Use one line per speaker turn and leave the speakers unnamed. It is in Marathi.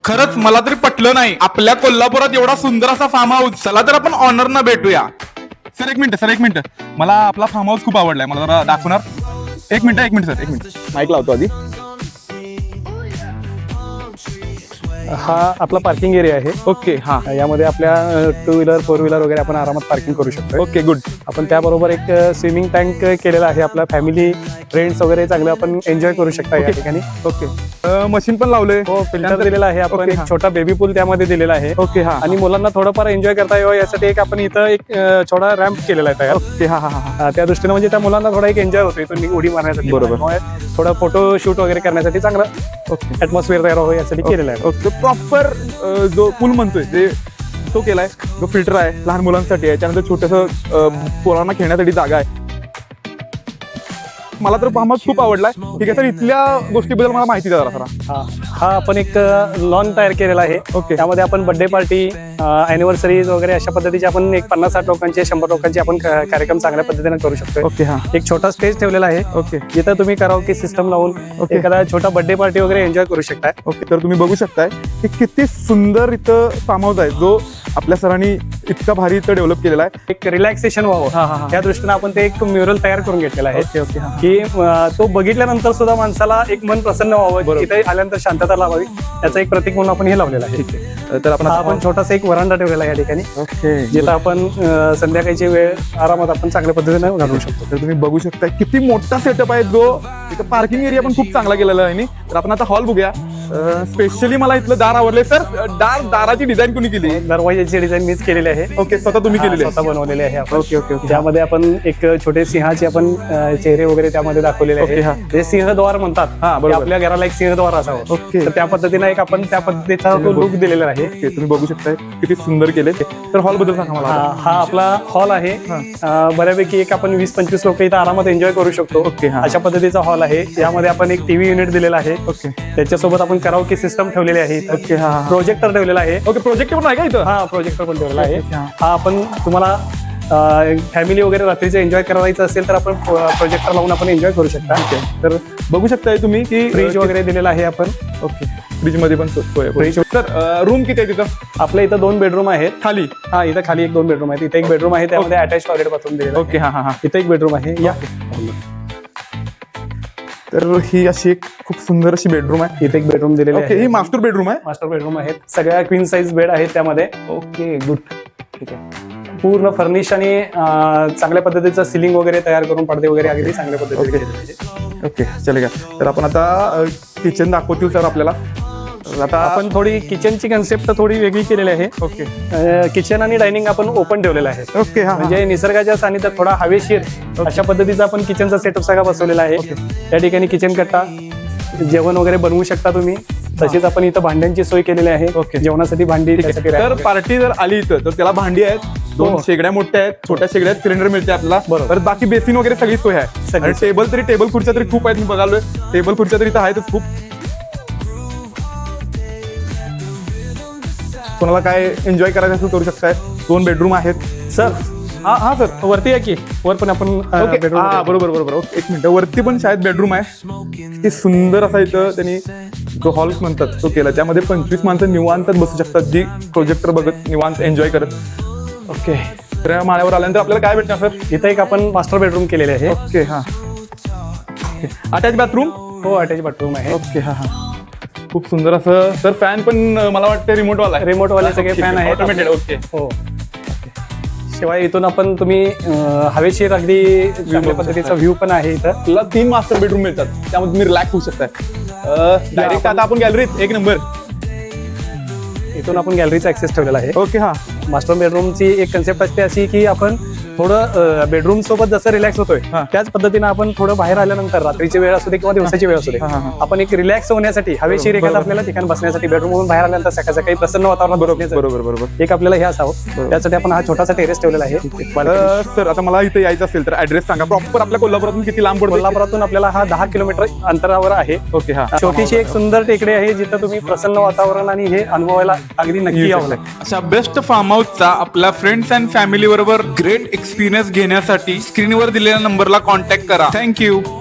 खरंच मला तरी पटलं नाही, आपल्या कोल्हापुरात एवढा सुंदर असा फार्म हाऊस. चला तर आपण ऑनर ना भेटूया. सर एक मिनिट मला आपला फार्म हाऊस खूप आवडलाय, मला जरा दाखवणार. एक मिनिट सर, एक मिनिट माईक लावतो आधी.
हा आपला पार्किंग एरिया आहे.
ओके, हा.
यामध्ये आपल्या 2 व्हीलर 4 व्हीलर वगैरे आपण आरामात पार्किंग करू शकतो.
Okay, good.
आपण त्याबरोबर एक स्विमिंग टँक केलेला आहे. आपला फॅमिली फ्रेंड्स वगैरे चांगलं आपण एन्जॉय करू शकता या ठिकाणी.
ओके, मशीन पण लावले.
हो, फिल्टर दिलेला आहे आपण.
ओके,
एक
हा.
छोटा बेबी पूल त्यामध्ये दिलेला आहे.
ओके, हा.
आणि मुलांना थोडंफार एन्जॉय करता यावं यासाठी एक आपण इथं एक छोटा रॅम्प केलेला आहे तयार.
ओके, हा.
त्या दृष्टीने म्हणजे त्या मुलांना थोडा एक एन्जॉय होतो इथून उडी मारण्यासाठी.
बरोबर.
थोडा फोटो शूट वगैरे करण्यासाठी चांगला
ओके,
ऍटमॉस्फिअर तयार व्हावं यासाठी केलेला आहे.
ओके. प्रॉपर जो पूल म्हणतोय ते तो केलाय, जो फिल्टर आहे लहान मुलांसाठी आहे, त्यानंतर छोटस पोरांना खेळण्यासाठी जागा आहे. मला तर फार्म हाऊस खूप आवडलाय. ठीक आहे सर, इथल्या गोष्टीबद्दल मला माहिती द्या जरा.
हा आपण एक लॉन तयार केलेला आहे.
ओके.
त्यामध्ये आपण बर्थडे पार्टी, अॅनिव्हर्सरीज वगैरे अशा पद्धतीचे आपण एक 50-60 लोकांचे 100 लोकांचे आपण कार्यक्रम चांगल्या पद्धतीने करू शकतो.
ओके, हा.
एक छोटा स्टेज ठेवलेला आहे.
ओके,
जिथं तुम्ही कराओके सिस्टम लावून
ओके.
एखादा छोटा बर्थडे पार्टी वगैरे एन्जॉय करू शकता.
ओके. तर तुम्ही बघू शकताय की किती सुंदर इथं फार्म हाऊस आहे, जो आपल्या सरांनी इतका भारी इथं डेव्हलप केलेला आहे.
एक रिलॅक्सेशन
हा,
व्हावं त्या दृष्टीने आपण ते एक म्युरल तयार करून घेतलेला आहे.
ओके, ओके, हा.
की तो बघितल्यानंतर सुद्धा माणसाला एक मन प्रसन्न व्हावं, इथे आल्यानंतर शांतता लावावी, त्याचं एक प्रतीक म्हणून आपण हे लावलेलं आहे.
ठीक आहे. तर
आपण छोटासा एक वरांडा ठेवलेला आहे या ठिकाणी,
ओके,
जिथं आपण संध्याकाळची वेळ आरामात आपण चांगल्या पद्धतीने घालवू शकतो.
तर तुम्ही बघू शकता किती मोठा सेटअप आहे, जो इथं पार्किंग एरिया पण खूप चांगला केलेला आहे. तर आपण आता हॉल बघूया. स्पेशली मला इथलं दार आवडले सर. दाराची डिझाईन कोणी केली?
दरवाजाची डिझाईन मीच केलेली आहे.
ओके, स्वतः तुम्ही केलेली आहे?
स्वतः बनवलेले आहे आपण.
Okay, okay, okay.
त्यामध्ये आपण एक छोटे सिंहाचे आपण चेहरे वगैरे त्यामध्ये दाखवलेले
ओके, हा.
आहे. जे सिंहद्वार म्हणतात,
हा, बरोबर.
की आपल्या घराला एक सिंहद्वार असावं.
ओके.
तर त्या पद्धतीने एक आपण त्या पद्धतीचा लुक दिलेला आहे.
ओके, तुम्ही बघू शकताय किती सुंदर केले. तर हॉल बद्दल सांगा मला.
हा आपला हॉल आहे. बऱ्यापैकी एक आपण 20-25 लोक इथं आरामात एन्जॉय करू शकतो.
ओके, हा.
अशा पद्धतीचा हॉल आहे. यामध्ये आपण एक टीव्ही युनिट दिलेला आहे.
ओके,
त्याच्यासोबत आपण कराओके सिस्टम ठेवलेली आहे.
ओके, हा.
प्रोजेक्टर ठेवलेला आहे.
ओके, प्रोजेक्टर पण आहे का इथं?
हा, प्रोजेक्टर पण ठेवलेला आहे.
ओके, हा.
हा आपण तुम्हाला फॅमिली वगैरे रात्रीचं एन्जॉय करायचं असेल तर आपण प्रोजेक्टर लावून आपण एन्जॉय करू शकता.
तर बघू शकताय तुम्ही की
फ्रीज वगैरे दिलेला आहे आपण.
ओके, फ्रीज मध्ये पण सोय आहे.
फ्रीज.
तर रूम किती आहे तिथं?
आपल्या इथं 2 बेडरूम आहेत.
खाली?
हा, इथं खाली 2 बेडरूम आहेत. इथे एक बेडरूम आहे, त्यामध्ये अटॅच टॉयलेट बाथरूम दिलेलं आहे.
ओके, हा.
इथं एक बेडरूम आहे. या
तर ही अशी एक खूप सुंदर अशी बेडरूम आहे.
इथे एक बेडरूम दिलेली
ओके,
आहे.
ही मास्टर बेडरूम आहे.
मास्टर बेडरूम आहेत. सगळ्या क्वीन साईज बेड आहेत त्यामध्ये.
Okay, good. ठीक आहे.
पूर्ण फर्निश आणि चांगल्या पद्धतीचं सिलिंग वगैरे तयार करून पडदे वगैरे अगदी चांगल्या पद्धतीने केलेले आहेत.
ओके, चले का. तर आपण आता किचन दाखवतील सर आपल्याला. आता
आपण थोडी किचनची कन्सेप्ट थोडी वेगळी केलेली आहे.
ओके,
किचन आणि डायनिंग आपण ओपन ठेवलेलं आहे.
ओके, हा.
म्हणजे निसर्गाच्या सानिध्यात थोडा हवेशीर अशा पद्धतीचा आपण किचनचा सेटअप सगळा बसवलेला आहे. त्या ठिकाणी किचन कट्टा, जेवण वगैरे बनवू शकता तुम्ही. तशीच आपण इथं भांड्यांची सोय केलेली आहे.
ओके.
जेवणासाठी भांडी, त्यासाठी
तर
rack.
पार्टी जर आली इथं तर त्याला भांडी आहेत, 2
हो.
शेगड्या मोठ्या आहेत, छोट्या शेगड्या सिलेंडर मिळते आपल्याला.
बरोबर.
तर बाकी बेसिन वगैरे सगळी सोय आहे.
सगळी
आणि टेबल खुर्च्या तरी खूप आहेत. मी बघालोय टेबल खुर्च्या तरी इथं आहेतच खूप. कोणाला काय एन्जॉय करायचं असेल करू शकताय. 2 बेडरूम आहेत.
सर
हा सर,
वरती या की वर पण आपण
ओके,
bedroom
हा, बरोबर. Okay, 1 minute. वरती पण शाळेत बेडरूम आहे. किती सुंदर असा इथं त्यांनी जो हॉल म्हणतात तो केला. त्यामध्ये 25 माणसं निवांत बसू शकतात, जी प्रोजेक्टर बघत निवांत एन्जॉय करत. ओके, तर या माळ्यावर आल्यानंतर आपल्याला काय भेटणार सर?
इथं एक आपण मास्टर बेडरूम केलेले आहे.
ओके, हा. Attach bathroom?
हो, अटॅच बाथरूम आहे.
ओके, हा. खूप सुंदर असं. सर फॅन पण मला वाटतं रिमोट वाला आहे.
रिमोट वाले सगळे फॅन आहेत.
ऑटोमेटेड. ओके,
हो. शिवाय इथून आपण तुम्ही हवेशीर अगदी चांगल्या पद्धतीचा व्ह्यू पण आहे इथं.
आपल्याला 3 मास्टर बेडरूम मिळतात, त्यामध्ये तुम्ही रिलॅक्स होऊ शकताय. डायरेक्ट आता आपण गॅलरीत 1 नंबर.
इथून आपण गॅलरीचा ऍक्सेस ठेवलेला आहे.
ओके, हा.
मास्टर बेडरूमची एक कन्सेप्ट असते अशी की आपण थोडं बेडरूम सोबत जसं रिलॅक्स होतोय
हा.
त्याच पद्धतीने आपण थोडं बाहेर आल्यानंतर रात्रीची वेळ असू दे किंवा दिवसाची वेळ असू दे,
हा.
आपण एक रिलॅक्स होण्यासाठी हवेशीर एखादं आपल्याला ठिकाण बसण्यासाठी बेडरूम मधून बाहेर आल्यानंतर सकाळ सकाळी प्रसन्न वातावरण
बरोबर.
एक आपल्याला हे असावं. त्यासाठी आपण हा छोटासा टेरेस ठेवलेला आहे.
सर आता मला इथे यायचं असेल तर ऍड्रेस सांगा. प्रॉपर आपल्या कोल्हापुरातून किती लांब पडतो?
कोल्हापुरातून आपल्याला हा 10 किलोमीटर अंतरावर आहे.
ओके, हा.
छोटीशी एक सुंदर टेकडी आहे जिथं तुम्ही प्रसन्न वातावरण आणि हे अनुभवायला अगदी नक्की यावं लागेल.
अशा बेस्ट फार्म हाऊसचा आपल्या फ्रेंड्स अँड फॅमिली बरोबर ग्रेट एक्सपिरियन्स घेण्यासाठी स्क्रीनवर दिलेल्या नंबरला कॉन्टॅक्ट करा. थँक्यू.